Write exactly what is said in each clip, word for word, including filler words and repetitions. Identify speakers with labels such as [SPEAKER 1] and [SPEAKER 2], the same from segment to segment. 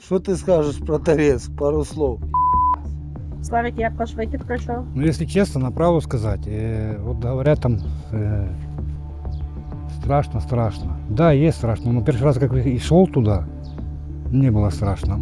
[SPEAKER 1] Що ти скажеш про Торецк? Пару слов.
[SPEAKER 2] Славик, як ваш вихід пройшов?
[SPEAKER 3] Ну, если честно, на правду сказать, э, вот говорят там э, страшно, страшно. Да, есть страшно, но первый раз, как и шел туда, не было страшно.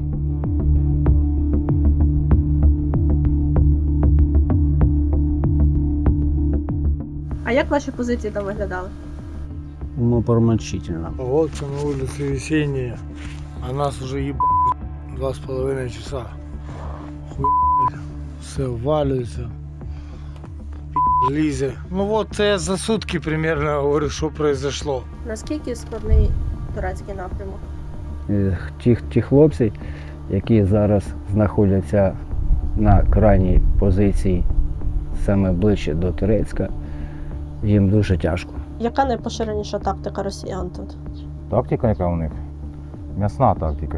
[SPEAKER 2] А як ваші позиції там виглядали?
[SPEAKER 4] Ну, промочительно.
[SPEAKER 1] Погодка на улице весенняя, а нас уже ебать два с половиной часа. Хуй, все валюється, пи*** лізе. Ну от це я за сутки примерно говорю, що произошло.
[SPEAKER 2] Наскільки складний турецький напрямок?
[SPEAKER 4] Е, Ті, ті хлопці, які зараз знаходяться на крайній позиції, саме ближче до Турецька, їм дуже тяжко.
[SPEAKER 2] Яка найпоширеніша тактика росіян тут?
[SPEAKER 5] Тактика, яка у них? М'ясна тактика.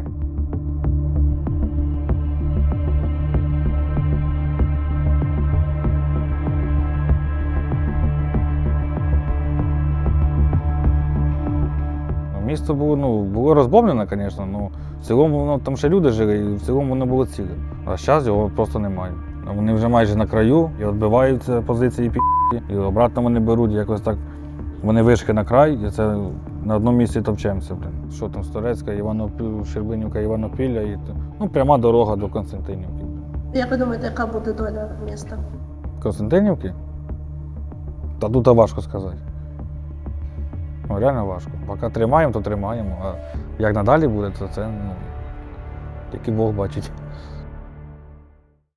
[SPEAKER 5] Місто було, ну, було розбомблено, звісно, але в цілому воно, там ще люди жили, і в цілому воно було ціле. А зараз його просто немає. Вони вже майже на краю і відбиваються позиції пі***ки, і обратно вони беруть, якось так. Вони вийшли на край, і це на одному місці топчемося. Блин. Що там з Торецька, Іванопіль, Щербинівка, Іванопілля, і, ну, пряма дорога до Константинівки.
[SPEAKER 2] Як ви думаєте, яка буде доля міста?
[SPEAKER 5] Константинівки? Та тут важко сказати. Ну, реально важко. Поки тримаємо, то тримаємо. А як надалі буде, то це, ну, тільки Бог бачить.